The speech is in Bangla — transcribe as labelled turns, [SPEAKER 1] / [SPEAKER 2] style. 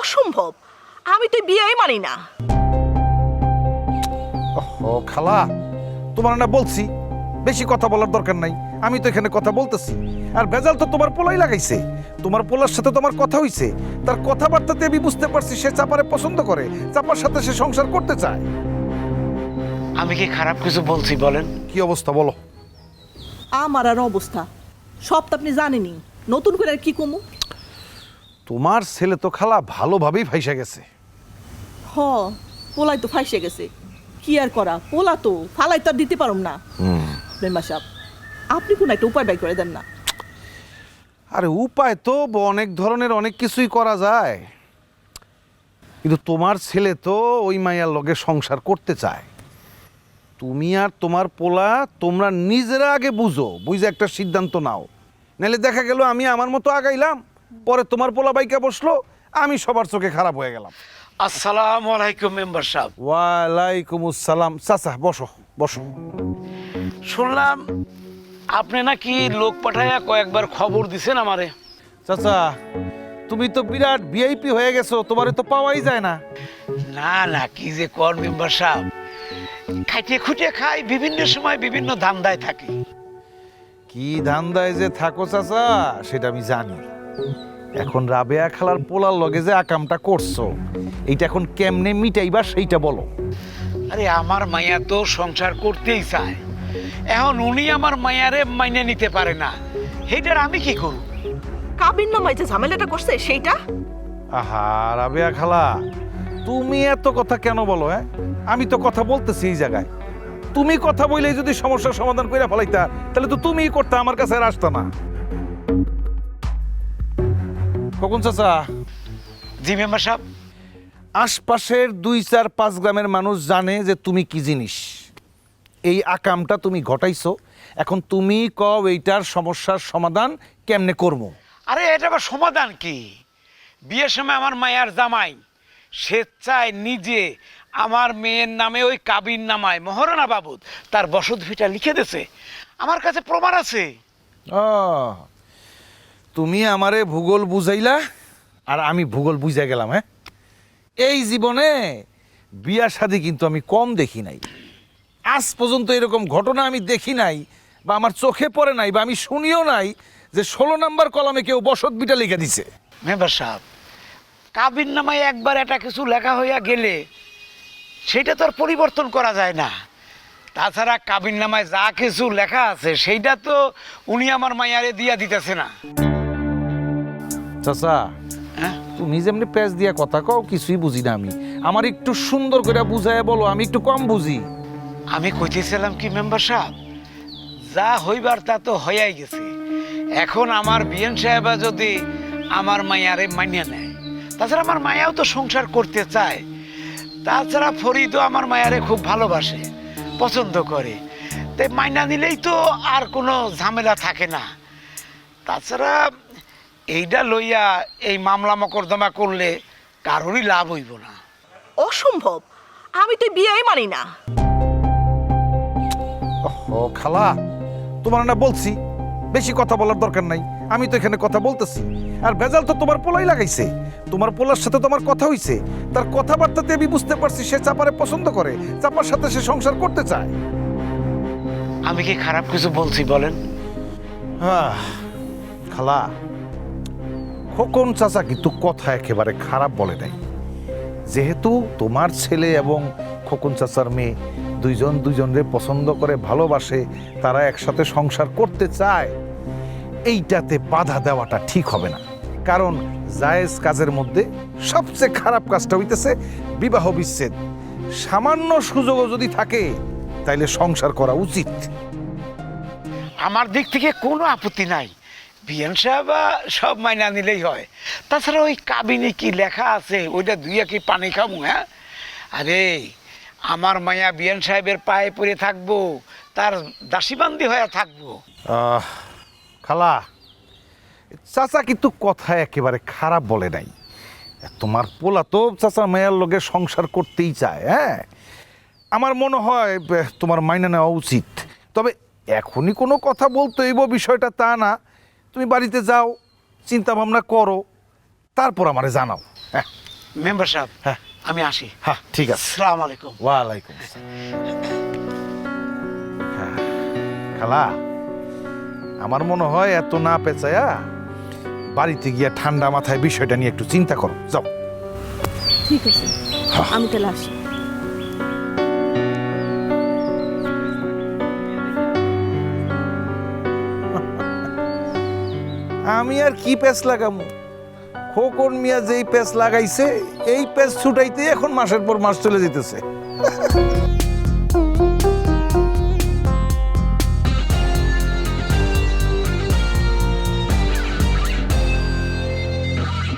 [SPEAKER 1] অসম্ভব, আমি তো বিয়েই মানি না।
[SPEAKER 2] ও খালা, তোমার না বলছি বেশি কথা বলার দরকার নাই। আমি তো এখানে কথা বলতেছি, আর ভেজাল তো তোমার পোলাই লাগাইছে। তোমার পোলার সাথে তোমার কথা হইছে, তার কথাবার্তাতে আমি বুঝতে পারছি সে চাপারে পছন্দ করে, চাপার সাথে সে সংসার করতে চায়।
[SPEAKER 3] আমি কি খারাপ কিছু বলছি বলেন?
[SPEAKER 2] কি অবস্থা বলো?
[SPEAKER 1] আমার আর অবস্থা সব তো আপনি জানেনই, নতুন করে আর কি কমু?
[SPEAKER 2] তোমার ছেলে তো খালা ভালোভাবেই ফাইসা গেছে।
[SPEAKER 1] হ, পোলাই তো ফাইসে গেছে, কি আর করা, পোলা তো ফালাই তো আর দিতে পারুম না। মেম্বার সাহেব, আপনি কোন একটা উপায় বাই করে দেন না?
[SPEAKER 2] আরে উপায় তো অনেক ধরনের, অনেক কিছুই করা যায়, কিন্তু তোমার ছেলে তো ওই মাইয়ার লগে সংসার করতে চায়। তুমি আর তোমার পোলা তোমরা নিজেরা আগে বুঝে একটা সিদ্ধান্ত নাও, নাহলে দেখা গেল আমি আমার মতো আগাইলাম, পরে তোমার পোলা বাইকা বসলো, আমি সবার চোখে খারাপ হয়ে গেলাম।
[SPEAKER 3] আসসালামু আলাইকুম মেম্বার সাহেব।
[SPEAKER 2] ওয়ালাইকুম আসসালাম। চাচা বসো বসো।
[SPEAKER 3] শুনলাম আপনি নাকি লোক পাঠাইয়া কয়েকবার খবর দিছেন আমারে।
[SPEAKER 2] চাচা, তুমি তো বিরাট ভিআইপি হয়ে গেছো, তোমারে তো পাওয়াই যায় না।
[SPEAKER 3] না না, কি যে কর মেম্বার সাহেব, খাইতে খুঁটে খাই, বিভিন্ন সময় বিভিন্ন ধান্দায় থাকি।
[SPEAKER 2] কি ধান্দায় যে থাকো চাচা সেটা আমি জানি। এখন রাবেয়া খালার পোলার লগে যে আকামটা করছো, এইটা এখন কেমনে মিটাইবা সেইটা বলো।
[SPEAKER 3] আরে আমার মাইয়া তো সংসার করতেই চায়, এখন উনি আমার মাইয়ারে মাইনে নিতে পারে না, সেইটার আমি কি করব?
[SPEAKER 1] কাবিন নামায় যে ঝামেলাটা করছে সেইটা।
[SPEAKER 2] আহা রাবেয়া খালা, তুমি এত কথা কেন বলো? আমি তো কথা বলতেছি এই জায়গায়। তুমি কথা বললেই যদি সমস্যার সমাধান করে ফেলাইতা, তাহলে তো তুমিই করতে, আমার কাছে আর আসতা না। কখন চাচা?
[SPEAKER 3] জি মেম্বার সাহেব।
[SPEAKER 2] আশপাশের 2-4-5 গ্রামের মানুষ জানে যে তুমি কি জিনিস, এই আকামটা তুমি ঘটাইছো। এখন তুমি কও এইটার সমস্যার সমাধান কেমনে করবো?
[SPEAKER 3] আরে এটা আবার সমাধান কি? বিয়ের সময় আমার মায়ার জামাই স্বেচ্ছায় নিজে আমার মেয়ের নামে ওই কাবিন নামায় মহারণা বাবদ তার বসত ভিটা লিখে দিয়েছে, আমার কাছে প্রমাণ আছে।
[SPEAKER 2] ও, তুমি আমারে ভূগোল বুঝাইলা আর আমি ভূগোল বুঝা গেলাম। এই জীবনে বিয়া শাদী কিন্তু আমি কম দেখি নাই, আজ পর্যন্ত এরকম ঘটনা আমি দেখি নাই, বা আমার চোখে পড়ে নাই, বা আমি শুনিও নাই যে 16 নম্বর কলামে কেউ বসত বিটা লিখে দিছে।
[SPEAKER 3] মেম্বার সাহেব, কাবিন নামায় একবার একটা কিছু লেখা হইয়া গেলে সেটা তো আর পরিবর্তন করা যায় না। তাছাড়া কাবিন নামায় যা কিছু লেখা আছে সেইটা তো উনি আমার মায়ারে দিয়া দিতেছে না।
[SPEAKER 2] চাচা,
[SPEAKER 3] হ্যাঁ,
[SPEAKER 2] তুমি যেমনি প্যাচ দিয়া কথা কও কিছুই বুঝি না আমি। আমার একটু সুন্দর করে বুঝায় বলো, আমি একটু কম বুঝি।
[SPEAKER 3] আমি কইতেছিলাম কি মেম্বার সাহেব, যা হইবার তা তো হইয়াই গেছে। এখন আমার বিএন সাহেবা যদি আমার মায়ারে মানিয়ে নেয়, তাছাড়া আমার মায়াও তো সংসার করতে চায়, তাছাড়া ফরিদও আমার মায়ারে খুব ভালোবাসে, পছন্দ করে, তাই মাইনা নিলেই তো আর কোনো ঝামেলা থাকে না। তাছাড়া এইটা লইয়া এই মামলা মকদ্দমা করলে কারোরই লাভ হইব না।
[SPEAKER 1] অসম্ভব, আমি তো বিয়েই মানি না।
[SPEAKER 2] ও খালা, তোমার না বলছি বেশি কথা বলার দরকার নাই। আমি তো এখানে কথা বলতেছি, আর ভেজাল তো তোমার পোলাই লাগাইছে। তোমার পোলার সাথে তোমার কথা হইছে, তার কথাবার্তাতে আমি বুঝতে পারছি সে চাপারে পছন্দ করে, চাপার সাথে সে সংসার করতে চায়।
[SPEAKER 3] আমি কি খারাপ কিছু বলছি বলেন?
[SPEAKER 2] খালা, খোকন চাচা কিন্তু কথা একেবারে খারাপ বলে নাই। যেহেতু তোমার ছেলে এবং খোকন চাচার মেয়ে দুইজন দুইজনরে পছন্দ করে, ভালোবাসে, তারা একসাথে সংসার করতে চায়, এইটাতে বাধা দেওয়াটা ঠিক হবে না। কারণ জায়েজ কাজের মধ্যে সবচেয়ে খারাপ কাজটা হইতেছে বিবাহ বিচ্ছেদ। সামান্য সুযোগও যদি থাকে তাইলে সংসার করা উচিত।
[SPEAKER 3] আমার দিক থেকে কোনো আপত্তি নাই, বিএন সাহেব সব মাইনা নিলেই হয়। তাছাড়া ওই কাবিনে কি লেখা আছে ওইটা দুইয়া কি পানি খাবো? হ্যাঁ, আরে আমার মায়া বিএন সাহেবের পায়ে পড়ে থাকবো, তার দাসীবান্দি হয়ে থাকবো।
[SPEAKER 2] খালা, চাচা কিন্তু কথা একেবারে খারাপ বলে নাই। তোমার পোলা তো চাচা মেয়ের লগে সংসার করতেই চায়। আমার মনে হয় তোমার মাইনে নেওয়া উচিত। তবে এখনই কোনো কথা বলতে হইব বিষয়টা তা না, তুমি বাড়িতে যাও, চিন্তা ভাবনা করো, তারপর আমারে জানাও।
[SPEAKER 3] মেম্বার সাহেব
[SPEAKER 2] হ্যাঁ।
[SPEAKER 3] আমি আসি।
[SPEAKER 2] হ্যাঁ ঠিক আছে।
[SPEAKER 3] আসসালামু আলাইকুম।
[SPEAKER 2] ওয়ালাইকুম আসসালাম। হ্যাঁ, খালা আমার মনে হয় এত না পেঁচায়া বাড়িতে গিয়া ঠান্ডা মাথায় বিষয়টা নিয়ে একটু চিন্তা করো, যাও।
[SPEAKER 1] ঠিক আছে, আমি তাহলে আসি।
[SPEAKER 2] আমি আর কি প্যাচ লাগামু? খোকন মিয়া যেই প্যাচ লাগাইছে এই প্যাচ ছুটাইতে এখন মাসের পর মাস চলে যেতেছে।